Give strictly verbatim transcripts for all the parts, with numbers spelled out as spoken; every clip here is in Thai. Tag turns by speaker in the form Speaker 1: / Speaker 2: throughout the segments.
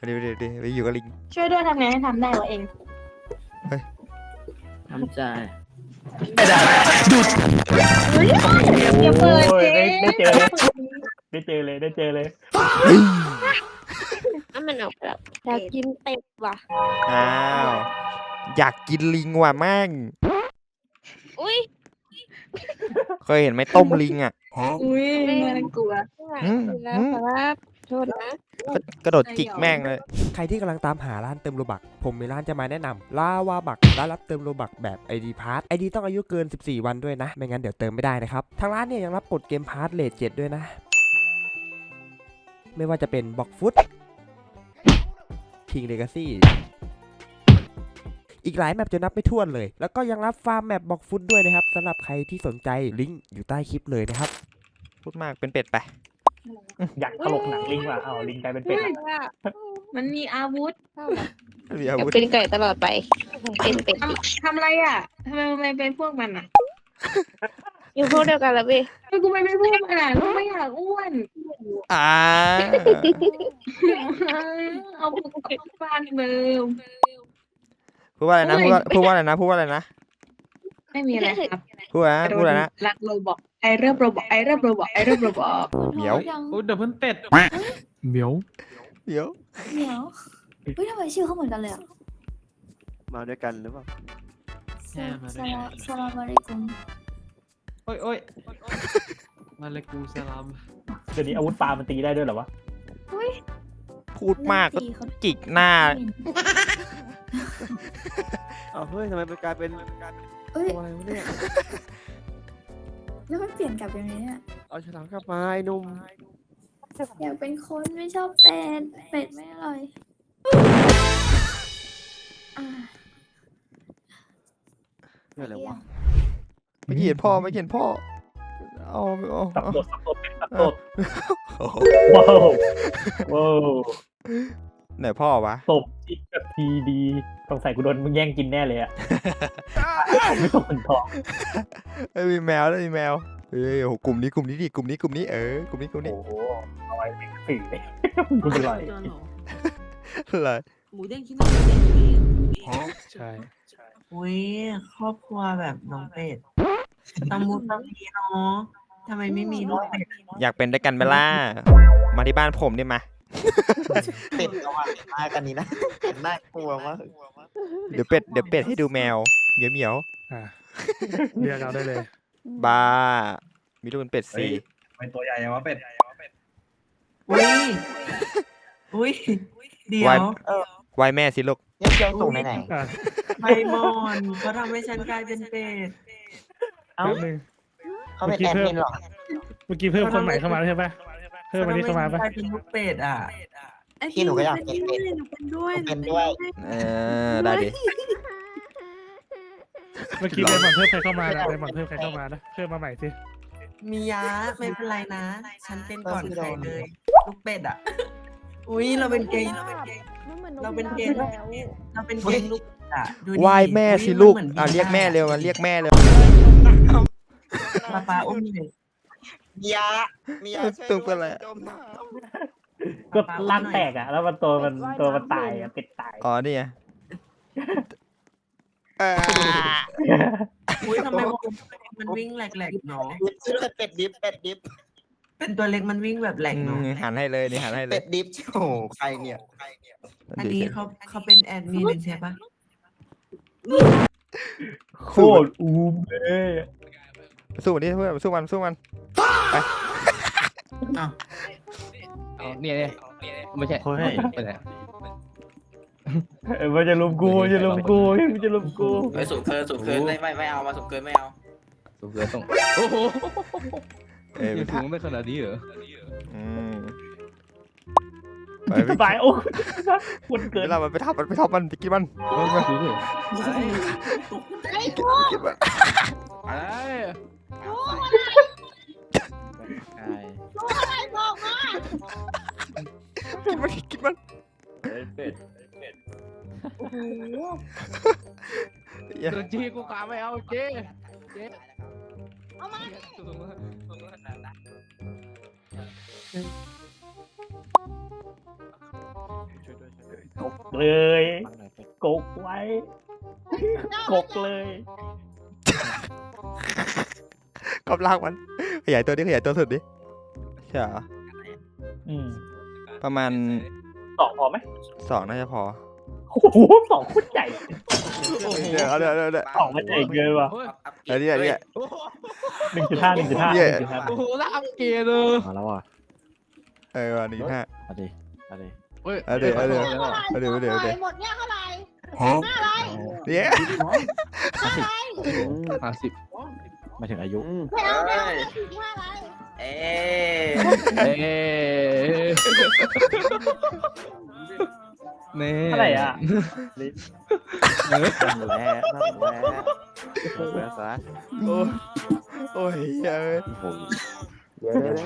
Speaker 1: เดี๋ยวเดี๋ยวเดี๋ยวไปอยู่กับลิง
Speaker 2: ช่วยด้วยทำไงให้ทำได้วะเอง
Speaker 3: ทำใจ
Speaker 2: อย่าเปิดเจ๊
Speaker 4: ได้เจอเลยได้เจอเลยได้เจอเลย
Speaker 5: ถ้ามันออกแบบอยากกินเป็ดว่ะ
Speaker 1: อ้าวอยากกินลิงว่ะแม่ง
Speaker 5: อุ้ย
Speaker 1: เคยเห็นไหมต้มลิงอ่ะ
Speaker 2: อุ้ยน่ากลัว
Speaker 1: อืม
Speaker 5: แล้ว
Speaker 1: อืม
Speaker 5: ครับโทษนะ
Speaker 1: ก็กระโดดจิกแม่งเลย
Speaker 6: ใครที่กำลังตามหาร้านเติมโลบัก ผมมีร้านจะมาแนะนำลาวาบักร้านรับเติมโลบักแบบ ไอ ดี พาร์ท ไอ ดี ต้องอายุเกินสิบสี่วันด้วยนะ ไม่งั้นเดี๋ยวเติมไม่ได้นะครับ ทางร้านเนี่ยยังรับกดเกมพาร์ทเลทเจ็ดด้วยนะ ไม่ว่าจะเป็นบ็อกฟุตคิงเลกาซี่อีกหลายแมปจะนับไม่ถ้วนเลย แล้วก็ยังรับฟาร์มแมปบ็อกฟุตด้วยนะครับสำหรับใครที่สนใจลิงก์อยู่ใต้คลิปเลยนะครับ
Speaker 1: พูดมากเป็นเป็ดไป
Speaker 4: อยากตลกหนังลิงว่ะเอาลิงกลายเป็นเป็ด
Speaker 2: มันมีอาวุธ
Speaker 1: มีอาวุธ
Speaker 5: เป็นไก่ตลอดไป เป็นเป็ด
Speaker 2: ทำทำอะไรอ่ะทำไมทำไมเป็นพวกมันอ่ะ
Speaker 5: อยู่พวกเดียวกันแล้วพี่
Speaker 2: ทำไมกูไม่เป็นพวกมันอ่ะกูไม่อยากอ้วน
Speaker 1: อ่า
Speaker 2: เอาพวกฟานเบอร์
Speaker 1: พูดว่าอะไรนะพูดว่าพูดว่าอะไรนะพูดว่าอะไรนะ
Speaker 2: ไม่มีอะไรครับ
Speaker 1: พูดว่าพูดอะไรนะ
Speaker 2: รักโรบอกไอเริ่มโรบอกไอเริ่มโรบอกไอเริ่มโรบอก
Speaker 1: เหมียว
Speaker 3: โอ้เดี๋ยวเพิ่นเป็ดเหมียว
Speaker 1: เหมียว
Speaker 7: เหมียวเฮ้ยทำไมชื่อเขาเหมือนกันเลยอ่ะ
Speaker 8: มาด้วยกันหรือเปล่า
Speaker 7: สลาสลาสลามอะลัยกุม
Speaker 3: โอ้ยโอ้ยมาเลยกูสลาม
Speaker 4: เดี๋ยวนี้อาวุธปลามันตีได้ด้วยเหรอวะ
Speaker 1: พูดมากก็
Speaker 7: ตีเขา
Speaker 1: จิกหน้า
Speaker 8: เอาเฮ้ยทำไมมันกลายเป็น
Speaker 7: เอ้ย
Speaker 8: ตัวอะไรวะเนี่ย
Speaker 7: แล้วมันเปลี่ยนกลับยังไงเนี่ย
Speaker 8: เอาฉลามกลับมาไอ้หนุ่ม
Speaker 7: อยากเป็นคนไม่ชอบเป็ดเป็ดไม่อร่อยอ่า
Speaker 8: เรื่องอะไรวะ
Speaker 1: ไม่เห็นพ่อไม่เห็นพ่อเอาเอา
Speaker 4: สับ
Speaker 1: เอา
Speaker 4: สดสับสดเป็นสับสด
Speaker 1: โอ้โห
Speaker 4: ว้าวว้าว
Speaker 1: ไหนพ่อวะ
Speaker 4: ตบอีกแบบทีดีสงสัยกูโดนมึงแย่งกินแน่เลยอะไม่ตกเป็นทอง
Speaker 1: เอ้ยมีแมวแล้วมีแมวเอ้ยโอ้โหกลุ่มนี้กลุ่มนี้ดิกลุ่มนี้กลุ่มนี้เออกลุ่มนี้กลุ่มนี้
Speaker 4: โอ้โหเอาไว้เป็นสื่อเลยกูเป็นไร
Speaker 1: อะไร
Speaker 9: หมูเด้งที่นั่นหมูเด้งที่นี่
Speaker 3: ใช่
Speaker 9: อุ้ยครอบครัวแบบน้องเป็ดตำมุตำมีเนาะทำไมไม่มีลูกเป็ด
Speaker 1: อยากเป็นด้วยกันไหมล่ะมาที่บ้านผมดิมา
Speaker 8: เป็ดเอาอะมากันนี้นะน่ากลัวมาก
Speaker 1: เดี๋ยวเป็ดเดี๋ยวเป็ดให้ดูแมวเหมียวเหมียว
Speaker 3: อ่ะเรียกเอาได้เลย
Speaker 1: บ้ามีลูกเป็นเป็ดสิ
Speaker 4: เป็นตัวใหญ่ยังวะเป็ด
Speaker 9: อุ้ยอุ้ยเดี๋ยว
Speaker 1: ไว้แม่สิลูก
Speaker 8: เนี่ยเจ้าส่งไหนไหน
Speaker 3: อ่ะ
Speaker 9: ไมมอนเขาทำให้ฉันกลายเป็นเป็ด
Speaker 3: แป๊บนึง
Speaker 8: เขาเป็นแอดมินหรอ
Speaker 3: เมื่อกี้เพิ่มคนใหม่เข้ามาใช่ปะเพิ่มมาที่เข้ามาปะ
Speaker 9: กลายเป็นลูกเป็ดอ่ะ
Speaker 8: พี่หนูก็อยากเป็นเป็ด
Speaker 9: หนูเป็นด้วย
Speaker 8: หนูเป็นด้วย
Speaker 1: เออได้ดิ
Speaker 3: เมื่อกี้ไดมอนด์เพิ่มใครเข้ามานะไดมอนด์เพิ่มใครเข้ามานะเพิ่มมาใหม่สิ
Speaker 9: มียะไม่เป็นไรนะ ฉันเป็นก่อนใครเลย ลูกเป็ดอ่ะ อุ้ยเราเป็นเกย์เราเป็นเกย์เราเป็นเกย์ลูกเป็ดอ่ะดูดิ
Speaker 1: ไหว้แม่สิลูก
Speaker 9: หมืน
Speaker 1: อ่ะเรียกแม่เร็วมาเรียกแม่เร็ว
Speaker 9: ป้าป้าอุ้มเลย
Speaker 8: มียามียา
Speaker 1: ตึงเป็นอะไร
Speaker 4: ก็ร่างแตกอะแล้วมันตัวมันตัวมันตายอะเป็ดตาย
Speaker 1: อ๋อนี่ไงอ่า
Speaker 9: อุ้ยทำไมมันวิ่งแหลกๆเนาะ
Speaker 8: ชื่อเป็ดดิฟเป็ดดิฟ
Speaker 9: เป็นตัวเล็กมันวิ่งแบบแหลก
Speaker 1: อื
Speaker 9: เนาะ
Speaker 1: มหันให้เลยนี่หันให้เล
Speaker 8: เป็
Speaker 1: ย
Speaker 8: ดดิฟโอ้โหใครเนี่ยใครเนี่ย
Speaker 9: อันนี้เขาเขาเป็นแอดมินใช่ปะ
Speaker 4: โคตรอูมเลย
Speaker 1: สู้มันดิเพื่อนสู้มันสู้มันไป
Speaker 3: เนี่ยเนี่ยไม่ใช่ไปไหน
Speaker 4: เออมันจะลุมกูมันจะลุมกูมันจะลุมกู
Speaker 10: ไม่สูงเกินสูงเกินไม่ไม่ไม่เอามาสูงเกินไม่เอา
Speaker 3: สูงเกินต้องโอ้โห
Speaker 1: เอ้ย
Speaker 3: ถึงได้ขนาดนี้เหรอ
Speaker 1: อืมไปไป
Speaker 4: สบายโอ้คุณเกิน
Speaker 1: เราไปทับมันไปทับมันไปกินมันไปกินมัน
Speaker 3: อะไร
Speaker 1: กินมันกินมัน
Speaker 4: เป็ด
Speaker 3: โดนจีกูกาไม่เอาเจ๊เจ๊เอามาช่วยด้วย
Speaker 4: เลยกกไว้กกเลย
Speaker 1: กำลังมันขยายตัวดิขยายตัวสุดดิใช่เหรอ
Speaker 4: อืม
Speaker 1: ประมาณ
Speaker 4: สองพอไหม
Speaker 1: สองน่าจะพอ
Speaker 4: โอ้โหสองโคนใหญ่
Speaker 1: เดี๋ยวเดี๋ยวเดี๋ยวเดี๋ยว
Speaker 4: สองมันใหญ่เกินว่ะ
Speaker 1: เดี๋ยวเนี่ยเนี่ย
Speaker 4: หนึ่งจุดห้าหนึ่งจุดห้าห
Speaker 1: เนี่ย
Speaker 4: นึ่งจุดห้า
Speaker 3: โอ้โหแล้วอัพเกรดเลย
Speaker 11: มาแล้วอ่ะ
Speaker 1: เออวันหนึ่งห้า
Speaker 11: เอาดิเอาดิ
Speaker 3: เฮ้ย
Speaker 1: เอาเดี๋ยวเอาเดี๋ยวเอาเดี๋ยวเอาเดี๋ยวเอาเดี๋ยว
Speaker 5: หมดเนี่ยเท่าไหร่
Speaker 1: เนี่ย
Speaker 3: ห้าสิบ
Speaker 11: มาถึงอายุ
Speaker 5: ไม่เอาไม่เอาถึงห้าไร
Speaker 10: เอ๊
Speaker 3: เอ๊เน่
Speaker 4: เท่าไหร่อ่ะ
Speaker 11: นั่นแหละนั่นแหละเปิดซะ
Speaker 1: โอ้ยโอ้ยเฮ้ย
Speaker 11: โอ้โห
Speaker 8: เดี๋ยวเดี๋ยว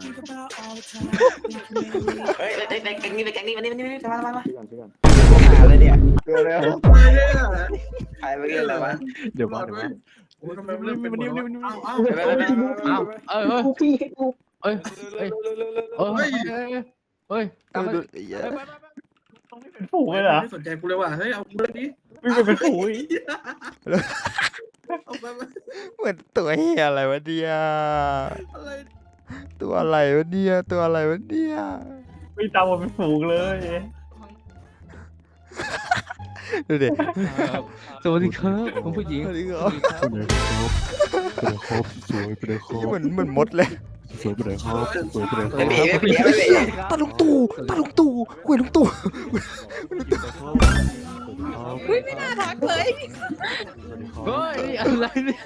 Speaker 10: เฮ้ยเด็กเด็กแก๊งนี้เด็กแก๊งนี้มานี่มานี่มานี่มามามา
Speaker 8: พี่ก่อนพี่ก่อน
Speaker 10: หาอะไรเนี่ย
Speaker 8: เดี๋ยวเดี๋ยว
Speaker 10: ใครไปเรื่องอะไรวะ
Speaker 11: เดี๋ยวมาเดี๋ยวมา
Speaker 3: ทำไมมันเป็นนิ่มๆๆ
Speaker 10: ไปไปไปไป
Speaker 3: อ้าวเอ้ยเอ้ยเอ้ยเอ้ยเอ้ยเอ้ยตามไป
Speaker 4: เป็นฝูงเลยเหรอ
Speaker 9: ไม่สนใจกูเลยว่ะเฮ้ยเอากูเลยดิ
Speaker 4: วิ่งไปเป็นฝูงอีก
Speaker 9: เอาไปไป
Speaker 1: เหมือนตัวเฮียอะไรวะเนี่ย
Speaker 9: อะไร
Speaker 1: ตัวอะไรวะเนี่ยตัวอะไรวะเนี่ย
Speaker 4: วิ่งตามมาเป็นฝูงเลย
Speaker 1: ดูดิ
Speaker 3: สวัสดีครับผมผู้หญิง
Speaker 1: สวัสดีครับ
Speaker 11: เป็นเลยครบเป็นเลยครบสวยเป็นเลยครบ
Speaker 1: เหมือนเหมือนมดเลย
Speaker 11: สวยเป็นเลยครบสวยเป็นเลยคร
Speaker 10: ไม่
Speaker 11: บ
Speaker 10: มีไม่มีไม่มี
Speaker 1: ตาลุงตู่ตาลุงตู่คุยลุงตู่
Speaker 5: เฮ้ยไม่น่ารักเลย
Speaker 3: เฮ้ยอะไรเนี่ย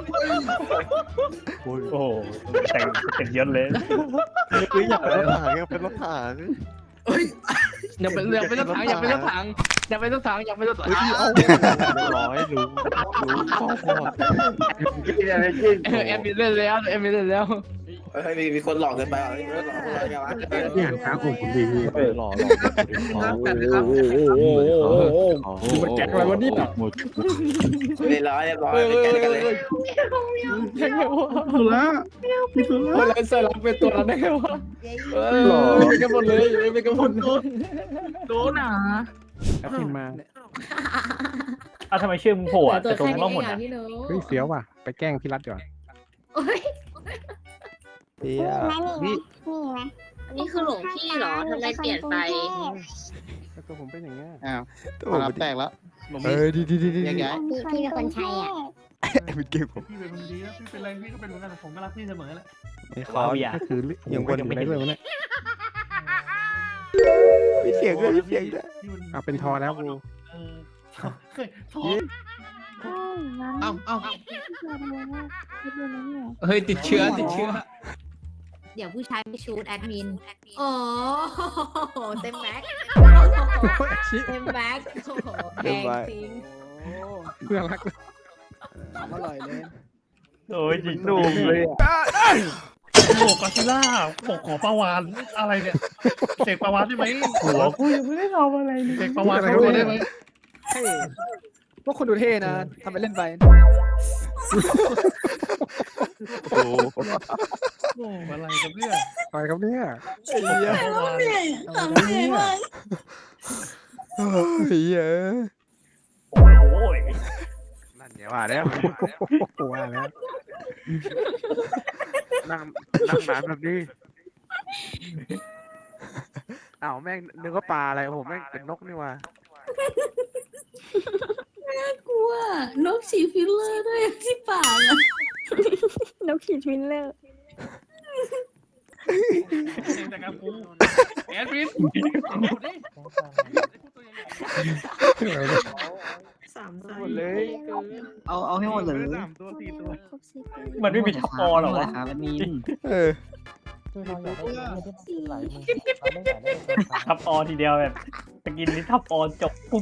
Speaker 11: โอ้ย
Speaker 4: โอ้โหแต่งแต่งเยอะเลย
Speaker 11: อยากเป็นรถถังอยากเป็นรถถัง
Speaker 9: เฮ้ย
Speaker 3: อย่าเป็นอย่าเป็นรถถังอย่าเป็นรถถังอย่าเป็นรถถังอย่าเป็นรถถัง
Speaker 11: ร้อยรู้รู้ข้อพอ
Speaker 3: เออแอมมีเล่นแล้วแอมมีเล่นแล้ว
Speaker 10: เฮ้ยมีมีคนหลอกเกินไปอ่ะมีคนหลอกอะไรกันวะ
Speaker 11: นี่หันค้าผมผมดีพี่หล่อหล่อ
Speaker 9: ครับแต่นะครับ
Speaker 11: มันแก๊กอะไรวะเนี่ยหมด
Speaker 10: เรียบร้อยเรียบร้อยเป็นแก๊งกันเลย
Speaker 9: สุระพี่สุระ
Speaker 3: เฮ้ยแล้วใส่เราเป็นตัวนั้นได้ไงวะเออเป็นกันหมดเลยเป็นกันหมดเลย
Speaker 9: โดนหนา
Speaker 11: แอปพินมา
Speaker 4: อ้าวทำไมชื่อมึงโผล่อะแต่ตรงนั้นล่องหมดอะ
Speaker 11: เฮ้ยเฟี้ยวว่ะไปแกล้งพี่รัตก่อน
Speaker 1: เฮีย
Speaker 5: นี่อันนี้คือหลวงพี่เหรอทำไมเปลี่ยนไป
Speaker 11: แล้วตัวผมเป็นอย่างเงี้ย
Speaker 8: อ้าว
Speaker 1: ตัว
Speaker 8: รับแตกแล้ว
Speaker 1: เออดีดีดีดี
Speaker 8: แยกย้าย
Speaker 5: พี่พี่เป็นคนใช้อ่ะ
Speaker 1: เป็นเกมผม
Speaker 9: พี่เป็นคนดีนะพี่เป็นอะไรพี่ก็เป็นเหมือนกันผมก็รักพี่เสมอแหละ
Speaker 1: ไม่คอ
Speaker 4: ว้าว
Speaker 1: ร์
Speaker 4: อย่า
Speaker 11: ก็คือ
Speaker 1: ยังวน
Speaker 11: ไม่ได้ด้วยวะเนี่ย
Speaker 1: มีเสียงด้วยมีเสียงด้วย
Speaker 11: เอาเป็นทอแล้วกู
Speaker 9: เออเฮ้ยท้องเอ้าเอ้า
Speaker 3: เฮ้ยติดเชื้อติดเชื้อ
Speaker 5: เดี๋ยวผู้ชายไปชูดแอดมินโอ้เต็มแม็กเต็มแม็กโอ้โหแพงจริง
Speaker 11: เพื่อนรัก
Speaker 8: อร่อยเลย
Speaker 4: โอ้ยจริงดูเลยอะโอ้กอซิล่าผมขอปลาวานอะไรเนี่ยเสกปลาวานได้ไหมหัวกูยังไม่ได้ทำอะไรเลยเสกปลาวานเข้าตัวได้ไหม
Speaker 8: พวกคนดูเท่นะทำไปเล่นไป
Speaker 11: โอ้
Speaker 4: โอ้อะไรกันเนี่ย
Speaker 11: อะไรครับเนี่ย
Speaker 1: เฮีย
Speaker 4: ปลาวาน
Speaker 1: เฮีย
Speaker 4: โอ้ย
Speaker 11: นั่นอย่าว่าแล้วว่าแล้วนั่งนั่งนานแบบนี้อ้าวแม่งนึกว่าปลาอะไรผมแม่งเป็นนกนี่ว่า
Speaker 7: กลัวนกฉีดฟิลเลอร์ด้วยที่ปากอะนกฉีดฟิลเลอร์
Speaker 3: แต่กับกูแอดมิน
Speaker 9: สามไซ
Speaker 11: หมดเลย
Speaker 8: เอาเอาให้หมดเลย
Speaker 11: สามตัวสี่ตัว
Speaker 4: มันไม่มีทับอหรอวะ
Speaker 8: ครับอันนี้
Speaker 1: เออ
Speaker 4: ทับอทีเดียวแบบตะกินนี่ทับอจบปุ๊บ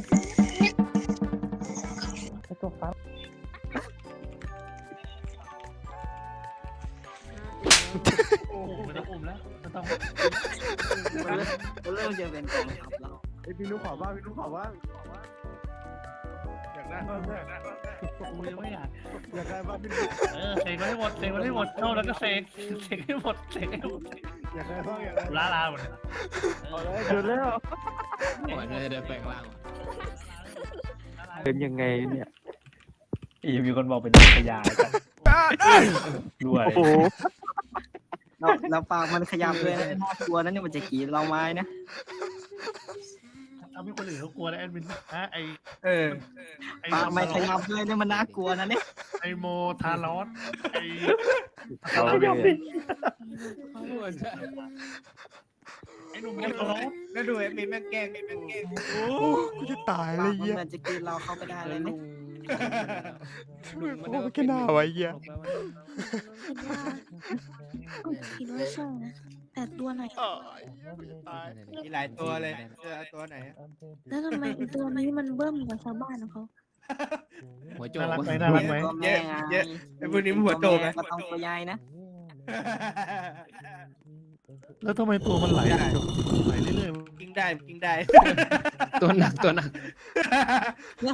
Speaker 3: โอ้โหไม่ต้องอุ้มแล้วไม่ต้อง
Speaker 8: เริ่มจะเป็นกองทัพแล้ว
Speaker 11: ไอพี่นุ๊กขอบ้างพี่นุ๊กขอบ้างอยากได้บ้างอยากได้บ้าง
Speaker 3: กูยังไม่อยาก
Speaker 11: อยากได้บ้างพี่นุ๊ก
Speaker 3: เออเสกมาให้หมดเสกมาให้หมดเข้าแล้วก็เสกเสกให้หมดเสกให้หมด
Speaker 11: อยากได้บ้างอยากได้
Speaker 3: ลาลาหมดเลย
Speaker 11: เกินแล้ว
Speaker 3: โอ้ยได้ได้แปลงร่าง
Speaker 11: เป็นยังไงเนี่ย
Speaker 4: อีมีคนบอกเป็นขยายกันด้วย
Speaker 9: เราเราปากมันขยับเลยนะน่ากลัวนะเนี่ยมันจะกรีดเราไม้นะ
Speaker 4: ทำให้คนอื่นเขากลัวนะแอดมินฮะไอ
Speaker 9: เออ
Speaker 4: ไอ
Speaker 9: ปากมันขยับเลยเนี่ยมันน่ากลัวนะเนี่ย
Speaker 4: ไอโมทารอสไอ
Speaker 11: เขาเลย
Speaker 4: ไอหนุ่มทารอส
Speaker 9: แล้วดูไอ้มีแม่งแกล้งแม่งแกล้ง
Speaker 1: โอ้กูจะตายเล
Speaker 9: ปาย กมัน
Speaker 1: เหี้ย
Speaker 9: เหมือนจะกรีดเราเข้าไปได้เลยเนี่ย
Speaker 1: โอ้แค่หน้าไว้เหี้ย
Speaker 7: คิดว่าใช่นะแต่ตัวไหน
Speaker 9: มีหลายตัวเลยเออตัวไหน
Speaker 7: แล้วทำไมไอ้ตัวนี้มันเบิ่มกว่าชาวบ้านของเขา
Speaker 3: หัวโจ
Speaker 4: น่าก รักไหมน่ารักไหม
Speaker 9: เยอะเยอะไอ้พวกนี้มันหัวโตไงก็ต้องตัวใหญ่นะ
Speaker 4: แล้วทำไมตัวมันไหลไหลเรื่อยๆ
Speaker 9: กินได้กินได้
Speaker 3: ตัวหนักตัวหนัก